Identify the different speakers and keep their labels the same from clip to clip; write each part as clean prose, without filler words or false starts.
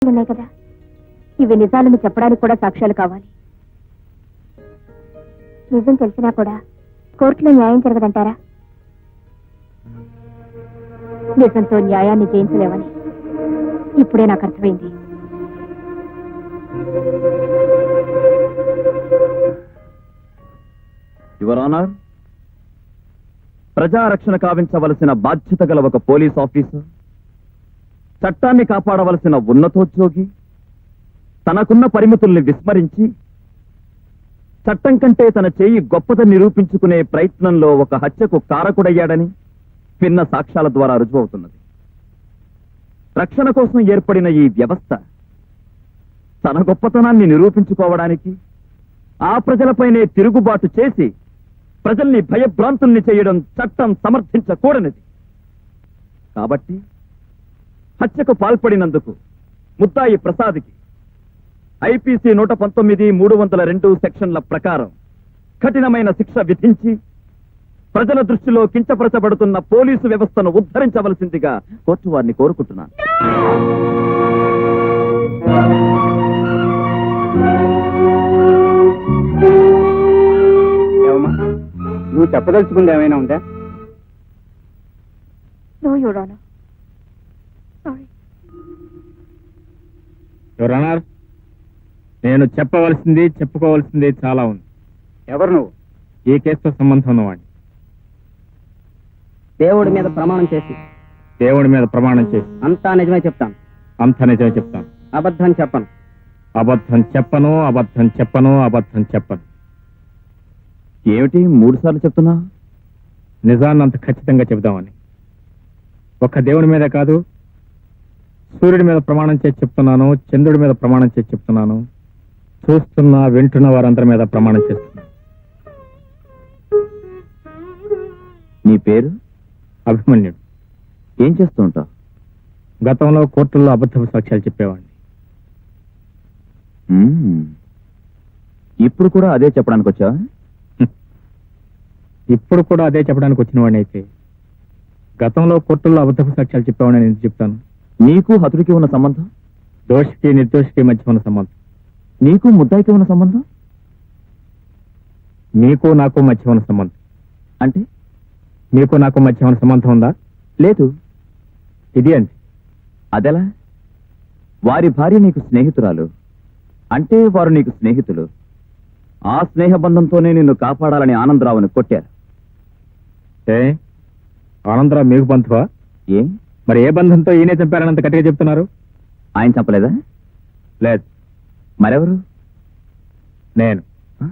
Speaker 1: ఉన్నాయి కదా, ఇవి నిజాలని చెప్పడానికి కూడా సాక్ష్యాలు కావాలి. నిజం తెలిసినా కూడా కోర్టులో న్యాయం జరగదంటారా? నిజంతో న్యాయాన్ని జయించలేవని ఇప్పుడే నాకు అర్థమైంది.
Speaker 2: యువర్ ఆనర్, ప్రజారక్షణ కావించవలసిన బాధ్యత గల ఒక పోలీస్ ఆఫీసర్, చట్టాన్ని కాపాడవలసిన ఉన్నతోద్యోగి తనకున్న పరిమితుల్ని విస్మరించి చట్టం కంటే తన చేయి గొప్పదని నిరూపించుకునే ప్రయత్నంలో ఒక హత్యకు కారకుడయ్యాడని భిన్న సాక్ష్యాల ద్వారా రుజువవుతున్నది. రక్షణ కోసం ఏర్పడిన ఈ వ్యవస్థ తన గొప్పతనాన్ని నిరూపించుకోవడానికి ఆ ప్రజలపైనే తిరుగుబాటు చేసి ప్రజల్ని భయభ్రాంతుల్ని చేయడం చట్టం సమర్థించకూడనిది. కాబట్టి హత్యకు పాల్పడినందుకు ముద్దాయి ప్రసాద్కి ఐపీసీ 119(302) సెక్షన్ల ప్రకారం కఠినమైన శిక్ష విధించి ప్రజల దృష్టిలో కించపరచబడుతున్న పోలీసు వ్యవస్థను ఉద్ధరించవలసిందిగా కోర్టు వారిని కోరుకుంటున్నాను.
Speaker 3: నువ్వు చెప్పదలుచుకుంది ఏమైనా ఉందా?
Speaker 1: No your honour. Sorry.
Speaker 3: Your honour, నేను చెప్పవలసింది చెప్పుకోవాల్సింది చాలా ఉంది. ఎవరు నువ్వు? ఈ కేసుతో సంబంధం ఉన్నవాడిని.
Speaker 4: దేవుడి మీద ప్రమాణం చేసి
Speaker 3: దేవుడి మీద ప్రమాణం చేసి
Speaker 4: అంతా నిజమే చెప్తాను.
Speaker 3: అంత నిజమే చెప్తాను.
Speaker 4: అబద్ధం చెప్పను.
Speaker 3: అబద్ధం చెప్పను, అబద్ధం చెప్పను, అబద్ధం చెప్పను.
Speaker 2: ఏమిటి 3 సార్లు చెప్తున్నా?
Speaker 3: నిజాన్ని అంత ఖచ్చితంగా చెబుదామని. ఒక్క దేవుడి మీద కాదు, సూర్యుడి మీద ప్రమాణం చేసి చెప్తున్నాను, చంద్రుడి మీద ప్రమాణం చేసి చెప్తున్నాను, చూస్తున్న వింటున్న వారందరి మీద ప్రమాణం చేస్తున్నాను.
Speaker 2: నీ పేరు?
Speaker 3: అభిమన్యుడు.
Speaker 2: ఏం చేస్తూ ఉంటావు?
Speaker 3: గతంలో కోర్టుల్లో అబద్ధపు సాక్ష్యాలు చెప్పేవాడిని.
Speaker 2: ఇప్పుడు కూడా అదే చెప్పడానికి వచ్చావా?
Speaker 3: ఇప్పుడు కూడా అదే చెప్పడానికి వచ్చిన వాడిని అయితే గతంలో కోర్టుల్లో అబద్ధపు సాక్ష్యాలు చెప్పేవాడిని నేను ఎందుకు చెప్తాను?
Speaker 2: నీకు హతుడికి ఉన్న సంబంధం?
Speaker 3: దోషికి నిర్దోషికి మధ్య ఉన్న సంబంధం.
Speaker 2: నీకు ముద్దాయికి ఉన్న సంబంధం?
Speaker 3: నీకు నాకు మధ్య ఉన్న సంబంధం.
Speaker 2: అంటే
Speaker 3: మీకు నాకు మధ్య ఉన్న సంబంధం ఉందా?
Speaker 2: లేదు.
Speaker 3: ఇది అంతే.
Speaker 2: అదెలా? వారి భార్య నీకు స్నేహితురాలు అంటే వారు నీకు స్నేహితులు. ఆ స్నేహ బంధంతోనే నిన్ను కాపాడాలని ఆనందరావుని కొట్టారు.
Speaker 3: ఆనందరావు మీకు బంధువా?
Speaker 2: ఏ
Speaker 3: మరి ఏ బంధంతో ఈయనే చంపారనంత గట్టిగా చెప్తున్నారు?
Speaker 2: ఆయన చంపలేదా?
Speaker 3: లేదు.
Speaker 2: మరెవరు?
Speaker 3: నేను.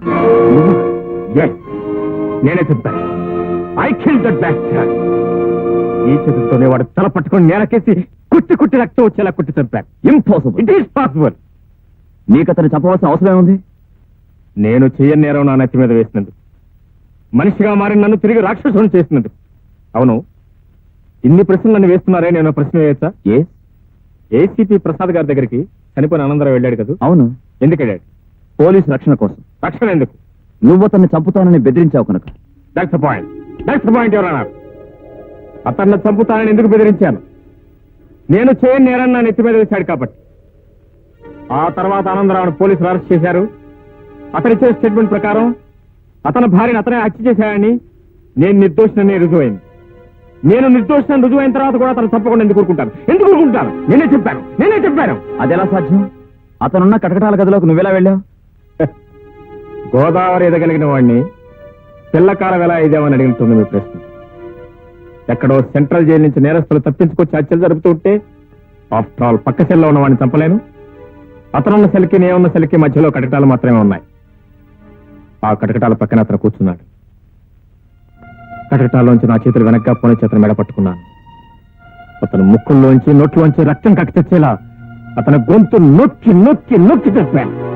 Speaker 3: నేనే చెప్తాను. I kill that bastard. ఈ చేతులతోనే వాడు తల పట్టుకొని నేలకేసి కుట్టి కుట్టి రక్తం వచ్చేలా కుట్టి చంపాను.
Speaker 2: ఇంపాసిబుల్.
Speaker 3: It is possible.
Speaker 2: నీకు అతను చంపవలసిన అవసరం ఏముంది?
Speaker 3: నేను చెయ్యని నేరం నా నెత్తి మీద వేసినందుకు, మనిషిగా మారి నన్ను తిరిగి రాక్షసుని చేసినందుకు. అవును, ఇన్ని ప్రశ్నలు నన్ను వేస్తున్నారే, నేను ప్రశ్న వేయచ్చా? ఏసీపీ ప్రసాద్ గారి దగ్గరికి చనిపోయిన ఆనందరావు వెళ్ళాడు కదా?
Speaker 2: అవును.
Speaker 3: ఎందుకు వెళ్ళాడు?
Speaker 2: పోలీసు రక్షణ కోసం.
Speaker 3: రక్షణ ఎందుకు?
Speaker 2: నువ్వు అతన్ని చంపుతానని బెదిరించావు కనుక.
Speaker 3: That's the point. That's the point your honour. అతన్ని చంపుతానని ఎందుకు బెదిరించాను? నేను చేయని నేరాన్ని నా నెత్తి మీద వేశాడు కాబట్టి. ఆ తర్వాత ఆనందరావును పోలీసులు అరెస్ట్ చేశారు. అతనిచ్చే స్టేట్మెంట్ ప్రకారం అతని భార్యను అతనే హత్య చేశాడని నేను నిర్దోషినని రుజువైంది. నేను నిర్దోషిని రుజువైన తర్వాత కూడా అతను తప్పకుండా ఎందుకు ఊరుకుంటాను? ఎందుకు ఊరుకుంటాను? నేనే చెప్పాను.
Speaker 2: అదెలా సాధ్యం? అతనున్న కటకటాల గదిలోకి నువ్వెలా వెళ్ళావు?
Speaker 3: గోదావరి ఎదగలిగిన వాడిని పిల్లకాలం ఎలా ఇదేమని అడిగినట్టుంది మీ ప్రశ్న. ఎక్కడో సెంట్రల్ జైలు నుంచి నేరస్తులు తప్పించుకొచ్చి హత్యలు జరుపుతూ ఉంటే ఆఫ్టర్ ఆల్ పక్క సెల్లో ఉన్న వాడిని చంపలేను. అతనున్న సెల్కి నేనున్న సెల్కి మధ్యలో కటకటాలు మాత్రమే ఉన్నాయి. ఆ కటకటాల పక్కన అతను కూర్చున్నాడు. కటకటాల్లోంచి నా చేతులు వెనక్గా పోనీ చేతులు మెడ పట్టుకున్నాను. అతను ముక్కుల్లోంచి నోట్లోంచి రక్తం కక్కి తెచ్చేలా అతని గొంతు నొక్కి నొక్కి నొక్కి చెప్పాను.